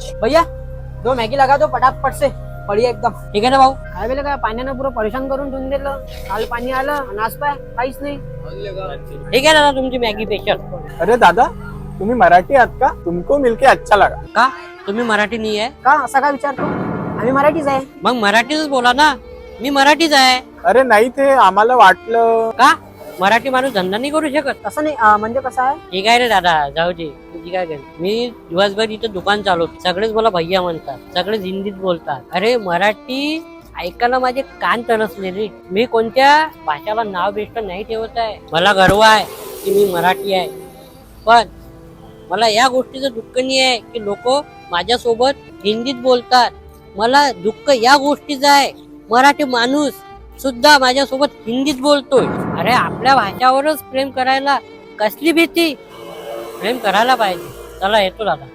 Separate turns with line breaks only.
भैया 2 मॅगी लगा दो पटापट से, बढ़िया एकदम.
ठीक आहे ना भाऊ.
काय वेळेला काय पाण्यानं पुरं परेशान करून ठेवून दिलं. काल पाणी आलं आणि आज पाय काहीच नाही.
ठीक आहे दादा, तुमची मॅगी स्पेशल.
अरे दादा, तुम्ही मराठी आहात का? तुमको मिलके अच्छा लगा.
का तुम्ही मराठी नाही आहे?
का असा का विचारतो? आम्ही मराठीच आहे.
मग मराठीच बोला ना. मी मराठीच आहे.
अरे नाही, ते आम्हाला वाटलं.
का मराठी माणूस धंदा नाही करू शकत?
तसं नाही म्हणजे कसं आहे.
ठीक आहे रे दादा, जाऊ दे. तुझी काय गरज. मी दिवसभर इथं दुकान चालवतो, सगळेच मला भैया म्हणतात, सगळेच हिंदीत बोलतात. अरे मराठी ऐकायला माझे कान तरसले रे. मी कोणत्या भाषाला नाव बेस्ट नाही ठेवत आहे. मला गर्व आहे की मी मराठी आहे, पण मला या गोष्टीचं दुःख नाही आहे की लोक माझ्यासोबत हिंदीत बोलतात. मला दुःख या गोष्टीचं आहे, मराठी माणूस सुद्धा माझ्यासोबत हिंदीत बोलतोय. अरे आपल्या भाषावरच प्रेम करायला कसली भीती. प्रेम करायला पाहिजे. चला येतो दादा.